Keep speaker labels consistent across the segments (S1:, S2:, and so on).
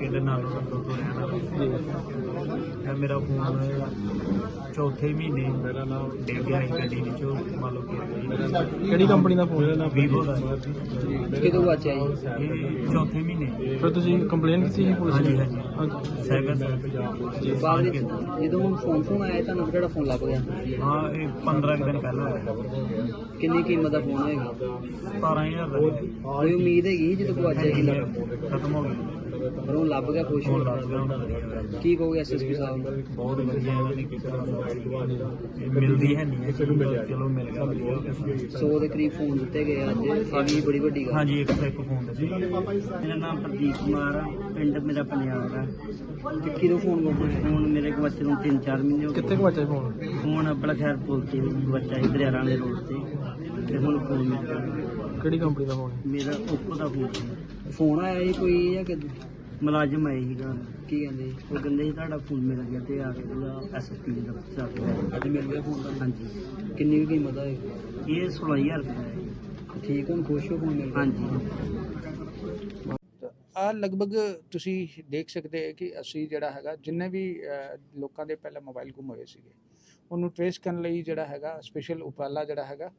S1: ਇਹਦੇ ਨਾਲੋਂ ਤੋਂ ਰਹਿਣ ਵਾਲਾ ਇਹ ਮੇਰਾ ਫੋਨ ਚੌਥੇ ਮਹੀਨੇ ਮੇਰਾ ਨਾਮ ਡਿੱਗ ਗਿਆ ਸੀ ਗੱਡੀ ਵਿੱਚੋਂ, ਮੰਨ ਲਓ ਕਿ
S2: ਕਿਹੜੀ ਕੰਪਨੀ ਦਾ ਫੋਨ ਹੈ?
S1: ਵੀਵੋ ਦਾ
S3: ਕਿਦੋਂ ਵਾਚਿਆ ਜੀ?
S1: ਇਹ ਚੌਥੇ ਮਹੀਨੇ।
S2: ਫਿਰ ਤੁਸੀਂ ਕੰਪਲੇਨ ਕੀਤੀ ਸੀ ਪੁਲਿਸ
S1: ਹਾਂਜੀ
S2: ਨੂੰ?
S1: ਹਾਂਜੀ ਸਾਈਬਰ
S3: ਬਾਅਦ ਵਿੱਚ ਜਦੋਂ ਹੁਣ ਫੋਨ ਆਇਆ ਤੁਹਾਨੂੰ ਕਿਹੜਾ ਫੋਨ ਲੱਭ ਗਿਆ?
S1: ਹਾਂ ਇਹ 15 ਕੁ ਦਿਨ ਪਹਿਲਾਂ ਹੋਇਆ।
S3: ਕਿੰਨੀ ਕੀਮਤ ਦਾ ਫੋਨ ਹੋਏਗਾ?
S1: 17,000 ਦਾ
S3: ਕੋਈ ਉਮੀਦ ਹੈਗੀ ਜਦੋਂ ਗਵਾਚਿਆ ਕੀ ਲੱਭ
S1: ਖਤਮ ਹੋ ਗਿਆ।
S3: ਪਰ ਉਹ ਲੱਭ ਗਿਆ, ਖੁਸ਼
S1: ਫੋਨ
S3: ਹੋ
S1: ਲੱਗ ਗਿਆ ਹੁਣ।
S3: ਕੀ ਕਹੋਗੇ ਐਸਐਸਪੀ ਸਾਹਿਬ ਨੂੰ?
S1: ਬਹੁਤ ਵਧੀਆ ਇਹਨਾਂ ਨੇ ਕੀਤਾ। ਮਿਲਦੀ ਹੈ ਨਹੀਂ ਚਲੋ ਮਿਲ ਗਿਆ, ਵਧੀਆ ਹੋ ਗਿਆ।
S3: 100 ਦੇ ਕਰੀਬ ਫੋਨ ਦਿੱਤੇ ਗਏ ਅੱਜ, ਇਹ ਵੀ ਬੜੀ ਵੱਡੀ ਗੱਲ।
S1: ਹਾਂਜੀ ਇੱਕ ਫੋਨ ਦਾ ਸੀ।
S3: ਮੇਰਾ ਨਾਮ ਪ੍ਰਦੀਪ ਕੁਮਾਰ ਆ, ਪਿੰਡ ਮੇਰਾ ਪੰਜਾਬ ਆ। ਤੇ ਕਿਹਦੋਂ ਫੋਨ ਗਵਾਚਿਆ? ਫੋਨ ਮੇਰੇ ਗਵਾਚੇ ਨੂੰ 3-4 ਮਹੀਨੇ ਹੋ ਗਏ।
S2: ਕਿੱਥੇ ਗਵਾਚਿਆ ਫੋਨ?
S3: ਫੋਨ ਆਪਣਾ ਖੈਰ ਪੁੱਲ ਤੇ ਗਵਾਚਾ ਸੀ, ਦਰਿਆਰਾਂ ਦੇ ਰੋਡ ਤੇ। ਤੇ ਹੁਣ ਫੋਨ ਮਿਲ ਗਿਆ।
S2: ਕਿਹੜੀ ਕੰਪਨੀ ਦਾ ਫੋਨ ਹੈ?
S3: ਮੇਰਾ ਓਪੋ ਦਾ ਫੋਨ ਸੀ। ਫੋਨ ਆਇਆ ਸੀ ਕੋਈ ਜਾਂ ਕਿ ਮੁਲਾਜ਼ਮ ਆਏ ਸੀਗਾ, ਕੀ ਕਹਿੰਦੇ ਉਹ ਕਹਿੰਦੇ ਸੀ ਤੁਹਾਡਾ ਫੋਨ ਮਿਲ ਗਿਆ ਤੇ ਆ ਕੇ ਉਹਦਾ ਐਸਐਸਪੀ ਦਾ ਦਫ਼ਤਰ ਅੱਜ ਮਿਲ ਗਿਆ ਫੋਨ ਦਾ। ਹਾਂਜੀ। ਕਿੰਨੀ ਕੁ ਕੀਮਤ ਹੈ? ਇਹ 16,000 ਰੁਪਏ ਹੈ। ਠੀਕ, ਹੁਣ ਖੁਸ਼ ਹੋ ਫੋਨ ਮਿਲ ਗਿਆ? ਹਾਂਜੀ।
S4: ਆ ਲਗਭਗ ਤੁਸੀਂ ਦੇਖ ਸਕਦੇ ਹੋ ਕਿ ਅਸੀਂ ਜਿਹੜਾ ਹੈਗਾ ਜਿੰਨੇ ਵੀ ਲੋਕਾਂ ਦੇ ਪਹਿਲਾਂ ਮੋਬਾਈਲ ਗੁੰਮ ਹੋਏ ਸੀਗੇ ਉਹਨੂੰ ਟ੍ਰੇਸ ਕਰਨ ਲਈ ਜਿਹੜਾ ਹੈਗਾ ਸਪੈਸ਼ਲ ਉਪਰਾਲਾ ਜਿਹੜਾ ਹੈਗਾ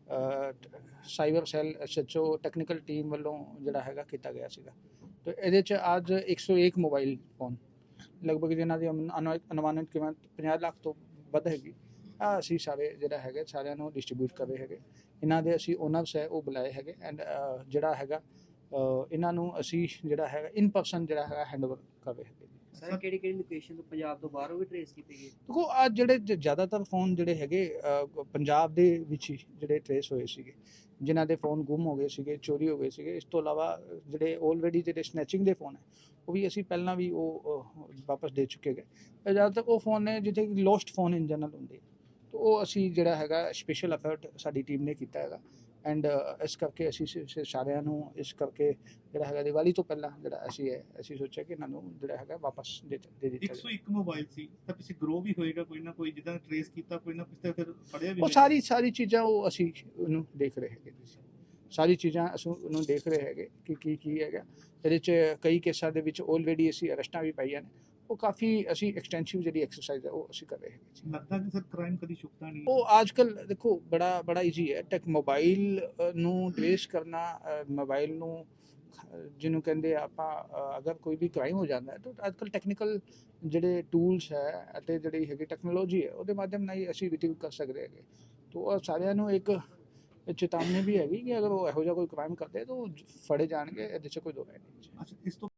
S4: cyber cell SHO technical team ਵੱਲੋਂ ਜਿਹੜਾ ਹੈਗਾ ਕੀਤਾ ਗਿਆ ਸੀਗਾ। ਤੇ ਇਹਦੇ 'ਚ ਅੱਜ 101 ਮੋਬਾਈਲ ਫੋਨ ਲਗਭਗ ਜਿਨ੍ਹਾਂ ਦੀ ਅਨੁਮਾਨਿਤ ਕੀਮਤ 50 ਲੱਖ ਤੋਂ ਵੱਧ ਹੈਗੀ ਆ ਅਸੀਂ ਸਾਰੇ ਜਿਹੜਾ ਹੈਗੇ ਸਾਰਿਆਂ ਨੂੰ ਡਿਸਟ੍ਰੀਬਿਊਟ ਕਰ ਰਹੇ ਹੈਗੇ। ਇਹਨਾਂ ਦੇ ਅਸੀਂ ਓਨਰਸ ਹੈ ਉਹ ਬੁਲਾਏ ਹੈਗੇ ਐਂਡ ਜਿਹੜਾ ਹੈਗਾ ਇਹਨਾਂ ਨੂੰ ਅਸੀਂ ਜਿਹੜਾ ਹੈਗਾ ਇਨ ਪਰਸਨ ਜਿਹੜਾ ਹੈਗਾ ਹੈਂਡਓਵਰ ਕਰ ਰਹੇ ਹੈਗੇ।
S3: ਸਰ ਕਿਹੜੀ ਲੋਕੇਸ਼ਨ ਤੋਂ ਪੰਜਾਬ ਤੋਂ ਬਾਹਰੋਂ ਵੀ ਟ੍ਰੇਸ ਕੀਤੇ ਗਏ?
S4: ਦੇਖੋ ਆ ਜਿਹੜੇ ਜ਼ਿਆਦਾਤਰ ਫੋਨ ਜਿਹੜੇ ਹੈਗੇ ਪੰਜਾਬ ਦੇ ਵਿੱਚ ਹੀ ਜਿਹੜੇ ਟ੍ਰੇਸ ਹੋਏ ਸੀਗੇ, ਜਿਨ੍ਹਾਂ ਦੇ ਫੋਨ ਗੁੰਮ ਹੋ ਗਏ ਸੀਗੇ, ਚੋਰੀ ਹੋ ਗਏ ਸੀਗੇ। ਇਸ ਤੋਂ ਇਲਾਵਾ ਜਿਹੜੇ ਆਲਰੇਡੀ ਜਿਹੜੇ ਸਨੈਚਿੰਗ ਦੇ ਫੋਨ ਹੈ ਉਹ ਵੀ ਅਸੀਂ ਪਹਿਲਾਂ ਵੀ ਉਹ ਵਾਪਸ ਦੇ ਚੁੱਕੇ ਗਏ। ਜ਼ਿਆਦਾਤਰ ਉਹ ਫੋਨ ਨੇ ਜਿੱਥੇ ਲੋਸਟ ਫੋਨ ਇਨ ਜਨਰਲ ਹੁੰਦੇ, ਤਾਂ ਉਹ ਅਸੀਂ ਜਿਹੜਾ ਹੈਗਾ ਸਪੈਸ਼ਲ ਐਫਰਟ ਸਾਡੀ ਟੀਮ ਨੇ ਕੀਤਾ ਹੈਗਾ। ਐਂਡ ਇਸ ਕਰਕੇ ਅਸੀਂ ਸਾਰਿਆਂ ਨੂੰ ਇਸ ਕਰਕੇ ਜਿਹੜਾ ਹੈਗਾ ਦੀਵਾਲੀ ਤੋਂ ਪਹਿਲਾਂ ਜਿਹੜਾ ਅਸੀਂ ਸੋਚਿਆ ਕਿ ਇਹਨਾਂ ਨੂੰ ਜਿਹੜਾ ਹੈਗਾ ਵਾਪਸ ਦੇ ਦਿੱਤਾ।
S5: 101 ਮੋਬਾਈਲ ਸੀ ਤਾਂ ਪਿੱਛੇ ਗਰੋ ਵੀ ਹੋਏਗਾ ਕੋਈ ਨਾ ਕੋਈ, ਜਿੱਦਾਂ ਟ੍ਰੇਸ ਕੀਤਾ ਕੋਈ ਨਾ ਪਿੱਛੇ ਫਿਰ ਫੜਿਆ ਵੀ
S4: ਉਹ ਸਾਰੀ ਚੀਜ਼ਾਂ ਉਹ ਅਸੀਂ ਉਹਨੂੰ ਦੇਖ ਰਹੇ ਹੈਗੇ। ਸਾਰੀ ਚੀਜ਼ਾਂ ਅਸੀਂ ਉਹਨੂੰ ਦੇਖ ਰਹੇ ਹੈਗੇ ਕਿ ਕੀ ਹੈਗਾ। ਇਹਦੇ 'ਚ ਕਈ ਕੇਸਾਂ ਦੇ ਵਿੱਚ ਆਲਰੇਡੀ ਅਸੀਂ ਅਰੈਸਟਾਂ ਵੀ ਪਾਈਆਂ ਨੇ। ਉਹ ਕਾਫੀ ਅਸੀਂ ਐਕਸਟੈਂਸਿਵ ਜਿਹੜੀ ਐਕਸਰਸਾਈਜ਼ ਹੈ ਉਹ ਅਸੀਂ ਕਰ ਰਹੇ ਹੈਗੇ।
S5: ਲੱਗਦਾ ਕਿ ਸਰ ਕ੍ਰਾਈਮ ਕਦੀ ਛੁਪਦਾ ਨਹੀਂ।
S4: ਉਹ ਅੱਜ ਕੱਲ੍ਹ ਦੇਖੋ ਬੜਾ ਈਜ਼ੀ ਹੈ। ਮੋਬਾਈਲ ਨੂੰ ਟ੍ਰੇਸ ਕਰਨਾ, ਮੋਬਾਈਲ ਨੂੰ ਜਿਹਨੂੰ ਕਹਿੰਦੇ ਆਪਾਂ ਅਗਰ ਕੋਈ ਵੀ ਕ੍ਰਾਈਮ ਹੋ ਜਾਂਦਾ ਹੈ ਤਾਂ ਅੱਜ ਕੱਲ੍ਹ ਟੈਕਨੀਕਲ ਜਿਹੜੇ ਟੂਲਸ ਹੈ ਅਤੇ ਜਿਹੜੀ ਹੈਗੀ ਟੈਕਨੋਲੋਜੀ ਹੈ ਉਹਦੇ ਮਾਧਿਅਮ ਨਾਲ ਹੀ ਅਸੀਂ ਰਿਟਰੀਵ ਕਰ ਸਕਦੇ ਹੈਗੇ। ਤਾਂ ਉਹ ਸਾਰਿਆਂ ਨੂੰ ਇੱਕ ਚੇਤਾਵਨੀ ਵੀ ਹੈਗੀ ਕਿ ਅਗਰ ਉਹ ਇਹੋ ਜਿਹਾ ਕੋਈ ਕ੍ਰਾਈਮ ਕਰਦੇ ਤਾਂ ਉਹ ਫੜੇ ਜਾਣਗੇ। ਇਹਦੇ 'ਚ ਕੋਈ ਦੋ ਰਾਏ ਨਹੀਂ।
S5: ਅੱਛਾ, ਇਸ ਤੋਂ